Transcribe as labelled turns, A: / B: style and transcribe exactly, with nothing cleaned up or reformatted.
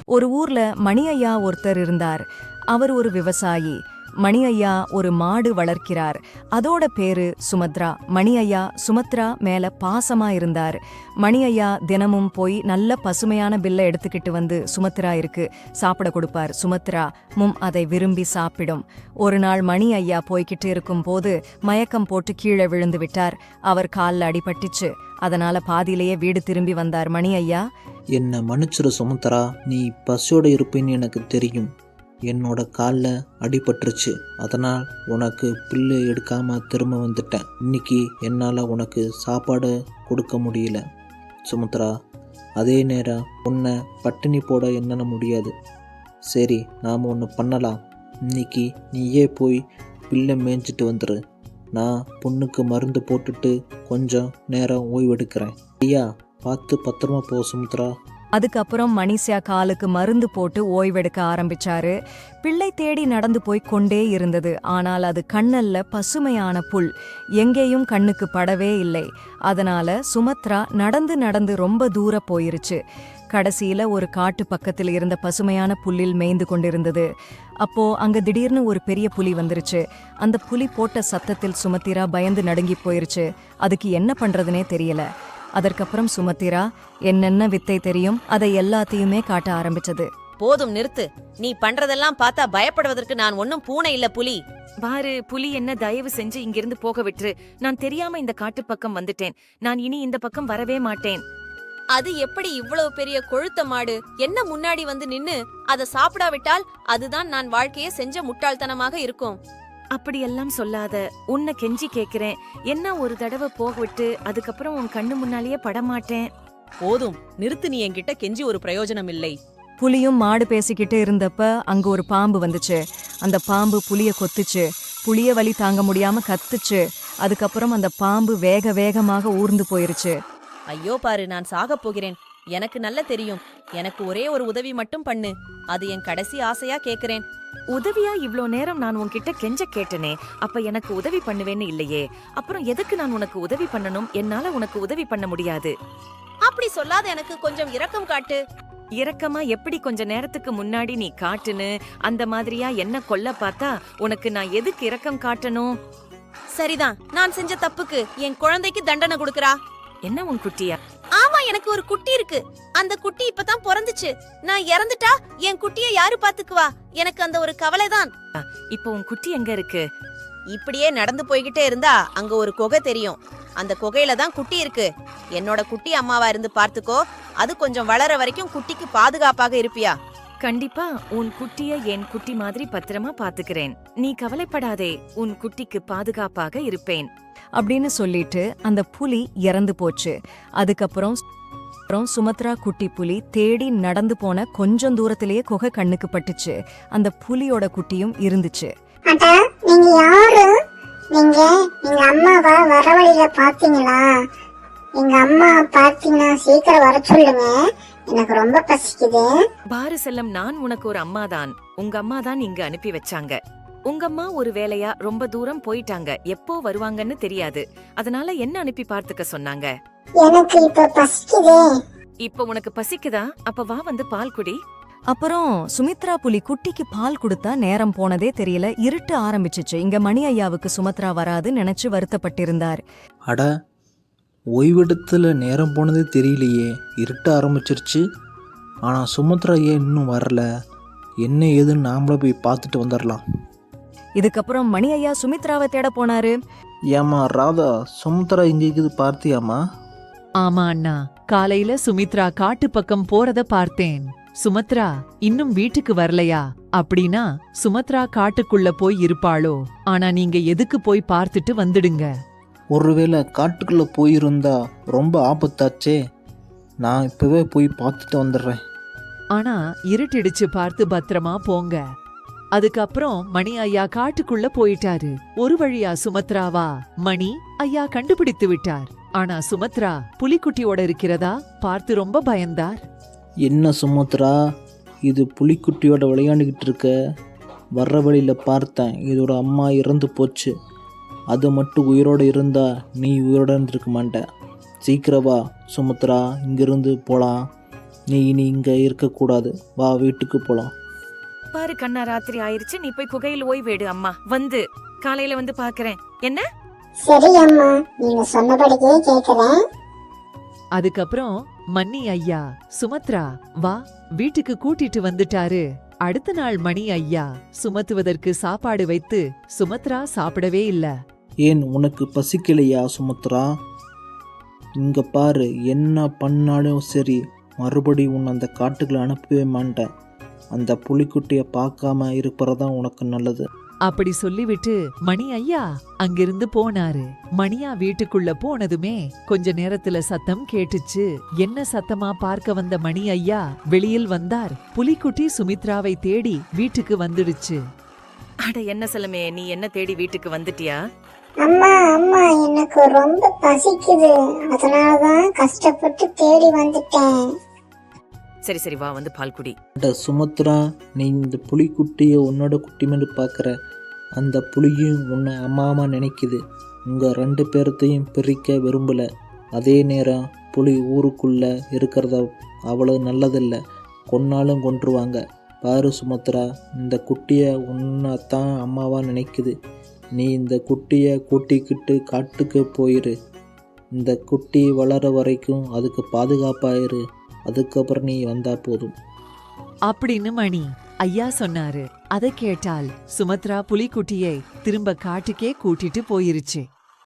A: ஒரு ஊர்ல மணி ஐயா ஒருத்தர் இருந்தார். அவர் ஒரு விவசாயி. மணி ஐயா ஒரு மாடு வளர்க்கிறார். அதோட பேரு சுமத்ரா. மணி ஐயா சுமத்ரா மேல பாசமா இருந்தார். மணி ஐயா தினமும் போய் நல்ல பசுமையான பில்லை எடுத்துக்கிட்டு வந்து சுமத்ரா இருக்கு சாப்பிட கொடுப்பார். சுமத்ரா மும் அதை விரும்பி சாப்பிடும். ஒரு நாள் மணி ஐயா போய்கிட்டு இருக்கும் போது மயக்கம் போட்டு கீழே விழுந்து விட்டார். அவர் காலில் அடிபட்டுச்சு. அதனால பாதியிலேயே வீடு திரும்பி வந்தார். மணி ஐயா,
B: என்னை மன்னிச்சிரு சுமத்ரா, நீ பசியோட இருப்பேன்னு எனக்கு தெரியும். என்னோட காலில் அடிபட்டுருச்சு, அதனால் உனக்கு பில்லு எடுக்காமல் திரும்ப வந்துட்டேன். இன்னைக்கு என்னால் உனக்கு சாப்பாடு கொடுக்க முடியல சுமத்ரா. அதே நேரம் உன்னை பட்டினி போட என்னால் முடியாது. சரி, நாம் ஒன்று பண்ணலாம். இன்னைக்கு நீயே போய் பில்லை மேய்ஞ்சிட்டு வந்துடு. நான் பொண்ணுக்கு மருந்து போட்டுட்டு கொஞ்சம் நேரம் ஓய்வெடுக்கிறேன். ஐயா, பார்த்து பத்திரமா போ சுமத்ரா.
A: அதுக்கப்புறம் மணிஷா காலுக்கு மருந்து போட்டு ஓய்வெடுக்க ஆரம்பிச்சாரு. பிள்ளை தேடி நடந்து போய் கொண்டே இருந்தது. ஆனால் அது கண்ணல்ல பசுமையான புல், எங்கேயும் கண்ணுக்கு படவே இல்லை. அதனால சுமத்ரா நடந்து நடந்து ரொம்ப தூர போயிருச்சு. கடைசியில ஒரு காட்டு பக்கத்தில் இருந்த பசுமையான புல்லில் மேய்ந்து கொண்டிருந்தது. அப்போ அங்க திடீர்னு ஒரு பெரிய புலி வந்துருச்சு. அந்த புலி போட்ட சத்தத்தில் சுமத்திரா பயந்து நடுங்கி போயிருச்சு. அதுக்கு என்ன பண்றதுனே தெரியல. அதற்கப்புறம் சுமத்திரா என்னென்ன வித்தை தெரியும் அதை எல்லாத்தையுமே காட்ட ஆரம்பிச்சது.
C: போதும், நிறுத்து. நீ பண்றதெல்லாம் பார்த்தா பயப்படுவதற்கு நான் ஒன்னும் பூனை இல்ல, புலி.
D: பாரு, புலி என்ன தயவு செஞ்சு இங்கிருந்து போக விட்டுரு. நான் தெரியாம இந்த காட்டு பக்கம் வந்துட்டேன். நான் இனி இந்த பக்கம் வரவே மாட்டேன்.
C: அது எப்படி இவ்வளவு பெரிய கொழுத்த மாடு என்ன முன்னாடி வந்து நின்னு அதை சாப்பிடாவிட்டால் அதுதான் நான் வாழ்க்கையே செஞ்ச முட்டாள்தனமாக இருக்கும்.
D: அப்படியெல்லாம் சொல்லாத. உன்னை கெஞ்சி கேக்குறேன். என்ன ஒரு தடவை போக விட்டு அதுக்கப்புறம் உன் கண்ணு முன்னாலேயே படமாட்டேன்.
C: போதும், நிறுத்து. நீ என்கிட்ட கெஞ்சி ஒரு பிரயோஜனம் இல்லை.
A: புலியும் மாடு பேசிக்கிட்டு இருந்தப்ப அங்க ஒரு பாம்பு வந்துச்சு. அந்த பாம்பு புலிய கொத்துச்சு. புலிய வலி தாங்க முடியாம கத்துச்சு. அதுக்கப்புறம் அந்த பாம்பு வேக வேகமாக ஊர்ந்து போயிருச்சு.
C: ஐயோ பாரு, நான் சாக போகிறேன். எனக்கு நல்ல தெரியும். எனக்கு ஒரே ஒரு உதவி மட்டும் பண்ணு. அது என் கடைசி ஆசையா கேக்குறேன்.
D: உதவியா? இவ்ளோ நேரம் நான் உன்கிட்ட கெஞ்ச கேட்டனே, அப்ப எனக்கு உதவி பண்ணுவேன்னு இல்லையே. அப்புறம் எதுக்கு நான் உனக்கு உதவி பண்ணணும்? என்னால உனக்கு உதவி பண்ண முடியாது.
C: அப்படி சொல்லாத, எனக்கு கொஞ்சம் இரக்கம் காட்டு.
D: இரக்கமா? எப்படி? கொஞ்ச நேரத்துக்கு முன்னாடி நீ காட்டுன்னு அந்த மாதிரியா என்ன கொல்ல பார்த்தா உனக்கு நான் எதுக்கு இரக்கம் காட்டணும்?
C: சரிதான், நான் செஞ்ச தப்புக்கு என் குழந்தைக்கு தண்டனை கொடுக்கறா.
D: என்ன உன் குட்டியா?
C: ஆமா, எனக்கு ஒரு குட்டி இருக்கு. அந்த குட்டி இப்பதான் பிறந்துச்சு. நான் இறந்துட்டா என் குட்டியை யாரு பாத்துக்குவா? எனக்கு அந்த ஒரு கவலைதான்.
D: இப்போ உன் குட்டி எங்க இருக்கு?
C: இப்படியே நடந்து போய்கிட்டே இருந்தா அங்க ஒரு குகை தெரியும். அந்த குகையில தான் குட்டி இருக்கு. என்னோட குட்டி அம்மாவா இருந்து பார்த்துக்கோ. அது கொஞ்சம் வளர வரைக்கும் குட்டிக்கு பாதுகாப்பாக இருப்பியா?
D: கண்டிப்பா உன் குட்டிய என் குட்டி மாதிரி பத்திரமா பாத்துக்கிறேன். நீ கவலைப்படாதே, உன் குட்டிக்கு பாதுகாப்பாக இருப்பேன்
A: அப்படின்னு சொல்லிட்டு அந்த புலி இறந்து போச்சு. அதுக்கப்புறம் சுமத்ரா குட்டி புலி தேடி நடந்து போன கொஞ்சம் தூரத்திலேயே குகை கண்ணுக்கு பட்டுச்சு. அந்த புலியோட குட்டியும் இருந்துச்சு.
E: அடா, நீங்க யாரு? நீங்க எங்க அம்மாவா வர வழியில பாத்தீங்களா? எங்க அம்மா பாத்தீங்கன்னா சீக்கிரம் வர சொல்லுங்க, எனக்கு ரொம்ப பசிக்குது.
D: பாரு செல்லம், நான் உனக்கு ஒரு அம்மாதான். உங்க அம்மா தான் இங்க அனுப்பி வச்சாங்க. உங்க அம்மா ஒரு வேலையா ரொம்ப தூரம் போயிட்டாங்க. எப்போ வருவாங்கன்னு தெரியாது. அதனால என்ன அனுப்பி பார்த்துக்க சொன்னாங்க.
E: எனக்கு இப்ப பசிக்குதே.
D: இப்ப உனக்கு பசிக்குதா? அப்ப வா, வந்து பால் குடி.
A: அப்புறம் சுமித்ரா புலி குட்டிக்கு பால் கொடுத்தா நேரம் போனதே தெரியல. இருட்டு ஆரம்பிச்சிச்சு. இங்க மணி ஐயாவுக்கு சுமத்ரா வராது நினைச்சு வருத்தப்பட்டிருந்தார்.
B: அட, ஓய்வெடுத்துல நேரம் போனதே தெரியலையே, இருட்ட ஆரம்பிச்சிருச்சு. ஆனால் சுமத்ரா ஏன் இன்னும் வரல? என்ன ஏதுன்னு நாமளே போய் பார்த்துட்டு வந்துடலாம்.
A: இதுக்கப்புறம் மணி ஐயா சுமித்ராவை தேட போனாரு.
B: ஏமா ராதா, சுமத்ரா இங்க இருக்குது பார்த்தியாமா?
F: ஆமா அண்ணா, காலையில சுமித்ரா காட்டு பக்கம் போறத பார்த்தேன். சுமத்ரா இன்னும் வீட்டுக்கு வரலையா? அப்படின்னா சுமத்ரா காட்டுக்குள்ள போய் இருப்பாளோ? ஆனா நீங்க எதுக்கு போய் பார்த்துட்டு வந்துடுங்க.
B: ஒருவேளை காட்டுக்குள்ள போயிருந்தா ரொம்ப ஆபத்தாச்சே. நான் இப்பவே போய் பார்த்துட்டு வந்துடுறேன்.
F: ஆனா இருட்டிடுச்சு, பார்த்து பத்திரமா போங்க. அதுக்கப்புறம் மணி ஐயா காட்டுக்குள்ள போயிட்டாரு. ஒரு வழியா சுமத்ராவா மணி ஐயா கண்டுபிடித்து விட்டார். ஆனா சுமத்ரா புலிக்குட்டியோட இருக்கிறதா பார்த்து ரொம்ப பயந்தார்.
B: என்ன சுமத்ரா, இது புலிக்குட்டியோட விளையாண்டுக்கிட்டு இருக்க? வர்ற வழியில் பார்த்தேன், இதோட அம்மா இறந்து போச்சு. அது மட்டும் உயிரோடு இருந்தா நீ உயிரோட இருந்திருக்க மாட்ட. சீக்கிரவா சுமத்ரா, இங்கிருந்து போலாம். நீ இனி இங்கே இருக்கக்கூடாது, வா வீட்டுக்கு போகலாம்.
D: பாரு கண்ணா, ராத்திரி ஆயிருச்சு, நீ போய் குகையில் ஓய்வேடு. அம்மா வந்து காலையில வந்து பாக்குறேன். என்ன?
E: சரி அம்மா, நீங்க சொன்னபடியே கேக்குறேன்.
F: அதுக்கப்புறம் மணி ஐயா சுமத்ரா வா வீட்டுக்கு கூட்டிட்டு வந்துட்டாரு. அடுத்த நாள் மணி ஐயா சுமத்துவதற்கு சாப்பாடு வைத்து சுமத்ரா சாப்பிடவே இல்ல.
B: ஏன் உனக்கு பசிக்கலையா சுமத்ரா? இங்கே பாரு, என்ன பண்ணாலும் சரி மறுபடி உன் அந்த காட்டுக்குள்ள அனுப்பவே மாட்டேன். அந்த புலிக்குட்டியை பார்க்காம இருப்பறதான் உனக்கு நல்லது.
F: அப்படி சொல்லிவிட்டு மணி ஐயா அங்கிருந்து போனாரு. மணியா வீட்டுக்குள்ள போனதுமே கொஞ்ச நேரத்துல சத்தம் கேட்டுச்சு. என்ன சத்தமா பார்க்க வந்த மணி ஐயா வெளியில் வந்தார். புலிக்குட்டி சுமித்ராவை தேடி வீட்டுக்கு வந்துடுச்சு.
D: அட என்ன செல்லமே, நீ என்ன தேடி வீட்டுக்கு வந்துட்டியா?
E: அம்மா அம்மா, எனக்கு ரொம்ப பசிக்குது, அதனாலதான் கஷ்டப்பட்டு தேடி வந்துட்டேன்.
D: சரி சரி, வா வந்து பால் குடி.
B: அட சுமத்ரா, நீ இந்த புலிக்குட்டியை உன்னோட குட்டி மாதிரி பார்க்குற. அந்த புலியும் உன்னை அம்மாமா நினைக்குது. உங்கள் ரெண்டு பேர்த்தையும் பிரிக்க விரும்பலை. அதே நேரம் புலி ஊருக்குள்ளே இருக்கிறத அவ்வளோ நல்லதில்லை, கொன்னாலும் கொன்றுவாங்க. பாரு சுமத்ரா, இந்த குட்டியை உன்னைத்தான் அம்மாவா நினைக்குது. நீ இந்த குட்டியை கூட்டிக்கிட்டு காட்டுக்கு போயிரு. இந்த குட்டி வளர வரைக்கும் அதுக்கு பாதுகாப்பாயிரு. அதுக்கப்புறம் நீ வந்தா போதும்
F: அப்படின்னு மணி ஐயா சொன்னாரு. அதை கேட்டால் சுமத்ரா புலிக்குட்டியை திரும்ப காட்டுக்கே கூட்டிட்டு போயிருச்சு.